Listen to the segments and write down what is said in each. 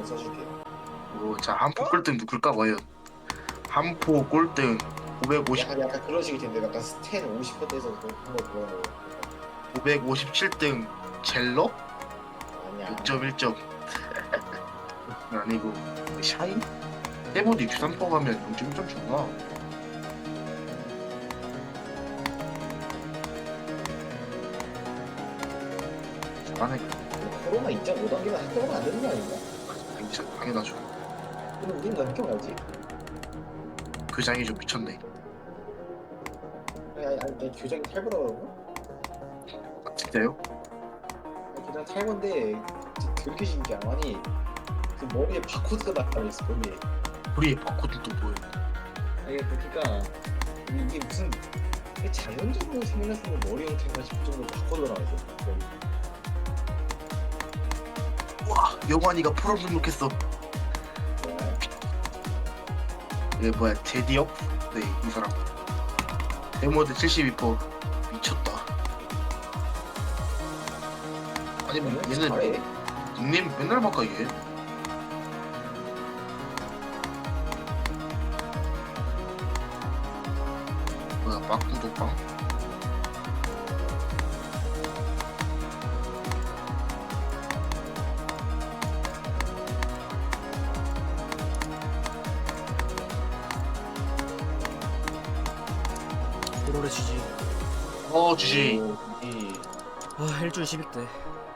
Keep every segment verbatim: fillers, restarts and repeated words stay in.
써줄게. 오, 자, 한포 꼴등 누굴까 과연? 한포 꼴등 오백오십, 약간 약간 그런 식일 텐데 약간 스탠 오십 퍼센트에서 한번 보는 거. 오백오십칠 등 젤러? 아니야. 육 점 일 점. 아니고 샤인? 세모도 육십삼 퍼센트 가면 영 점 일 점 주구나. 잘하네. 코로나 이 점 오 단계가 학교가 안 되는 거 아닌가? 당연- 당연하죠. 그럼 우린 넘겨가야지. 그 장이 좀 미쳤네. 아니 아니 아니 내 교장이 탈보라 그러고? 아, 진짜요? 아니, 교장 탈보인데 그렇게 신기한 거 아니 그 머리에 바코드가 달려있어 머리에. 우리의 바코드 또 보여. 아니 그러니까 이게 무슨 이게 자연적으로 생겨났으면 머리 형태가 싶을 정도로 바코드가 나와있어. 와, 영환이가 프로 등록했어. 이게 뭐야, 제디업? 네, 이 사람. 데모드 칠십이 퍼센트 미쳤다. 아니 뭐 얘는 잘해. 닉네임 맨날 바꿔 이게. 뭐야, 막구독방? 오로래 지지. 어, 주지. 오, 이 아 일주일 십육 대.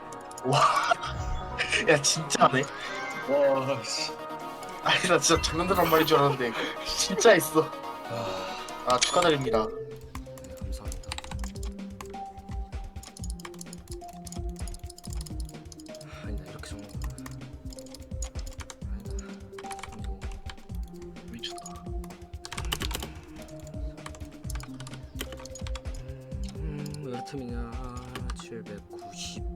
야, 진짜네. 와 씨. 아니, 나 진짜 장난들한 말인 줄 알았는데 진짜 있어. 아, 아, 축하드립니다. 네 감사합니다. 아니다 이렇게 적는 거구나. 아니다. 그리고 미쳤다. 음, 몇 틈이냐? 칠백구십.